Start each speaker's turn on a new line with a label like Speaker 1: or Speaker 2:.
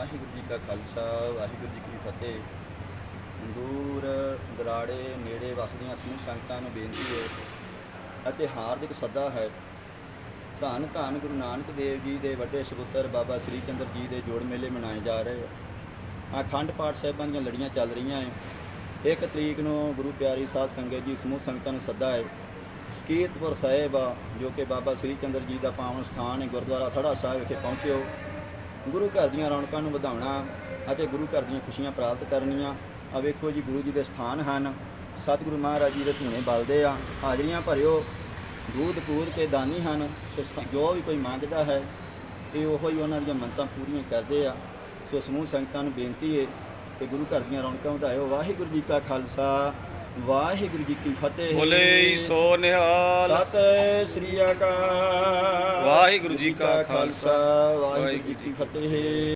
Speaker 1: ਵਾਹਿਗੁਰੂ ਜੀ ਕਾ ਖਾਲਸਾ ਵਾਹਿਗੁਰੂ ਜੀ ਕੀ ਫਤਿਹ। ਦੂਰ ਦਰਾੜੇ ਨੇੜੇ ਵਸਦੀਆਂ ਸਮੂਹ ਸੰਗਤਾਂ ਨੂੰ ਬੇਨਤੀ ਹੈ ਅਤੇ ਹਾਰਦਿਕ ਸੱਦਾ ਹੈ। ਧੰਨ ਧੰਨ ਗੁਰੂ ਨਾਨਕ ਦੇਵ ਜੀ ਦੇ ਵੱਡੇ ਸਪੁੱਤਰ ਬਾਬਾ ਸ੍ਰੀ ਚੰਦਰ ਜੀ ਦੇ ਜੋੜ ਮੇਲੇ ਮਨਾਏ ਜਾ ਰਹੇ ਆ। ਅਖੰਡ ਪਾਠ ਸਾਹਿਬਾਂ ਦੀਆਂ ਲੜੀਆਂ ਚੱਲ ਰਹੀਆਂ ਹੈ। 1 ਤਰੀਕ ਨੂੰ ਗੁਰੂ ਪਿਆਰੀ ਸਾਧ ਸੰਗਤ ਜੀ ਸਮੂਹ ਸੰਗਤਾਂ ਨੂੰ ਸੱਦਾ ਹੈ। ਕੀਰਤਪੁਰ ਸਾਹਿਬ ਜੋ ਕਿ ਬਾਬਾ ਸ੍ਰੀ ਚੰਦਰ ਜੀ ਦਾ ਪਾਵਨ ਸਥਾਨ ਹੈ, ਗੁਰਦੁਆਰਾ ਥੜਾ ਸਾਹਿਬ ਵਿਖੇ ਪਹੁੰਚਿਓ। ਗੁਰੂ ਘਰ ਦੀਆਂ ਰੌਣਕਾਂ ਨੂੰ ਵਧਾਉਣਾ ਅਤੇ ਗੁਰੂ ਘਰ ਦੀਆਂ ਖੁਸ਼ੀਆਂ ਪ੍ਰਾਪਤ ਕਰਨੀਆਂ। ਆ ਵੇਖੋ ਜੀ, ਗੁਰੂ ਜੀ ਦੇ ਸਥਾਨ ਹਨ। ਸਤਿਗੁਰੂ ਮਹਾਰਾਜ ਜੀ ਦੇ ਧੂਣੇ ਬਲਦੇ ਆ। ਹਾਜ਼ਰੀਆਂ ਭਰਿਓ, ਦੂਧ ਪੂਰ ਕੇ ਦਾਨੀ ਹਨ। ਸੋ ਜੋ ਵੀ ਕੋਈ ਮੰਗਦਾ ਹੈ ਇਹ ਉਹੋ ਹੀ ਉਹਨਾਂ ਦੀਆਂ ਮੰਨਤਾਂ ਪੂਰੀਆਂ ਕਰਦੇ ਆ। ਸੋ ਸਮੂਹ ਸੰਗਤਾਂ ਨੂੰ ਬੇਨਤੀ ਹੈ ਕਿ ਗੁਰੂ ਘਰ ਦੀਆਂ ਰੌਣਕਾਂ ਵਧਾਇਓ। ਵਾਹਿਗੁਰੂ ਜੀ ਕਾ ਖਾਲਸਾ ਵਾਹਿਗੁਰੂ ਜੀ ਕੀ ਫਤਿਹ।
Speaker 2: ਬੋਲੇ ਸੋ ਨਿਹਾਲ।
Speaker 1: ਸਤਿ ਸ੍ਰੀ ਅਕਾਲ।
Speaker 2: ਵਾਹਿਗੁਰੂ ਜੀ ਕਾ
Speaker 1: ਖਾਲਸਾ ਵਾਹਿਗੁਰੂ ਜੀ ਕੀ ਫਤਿਹ।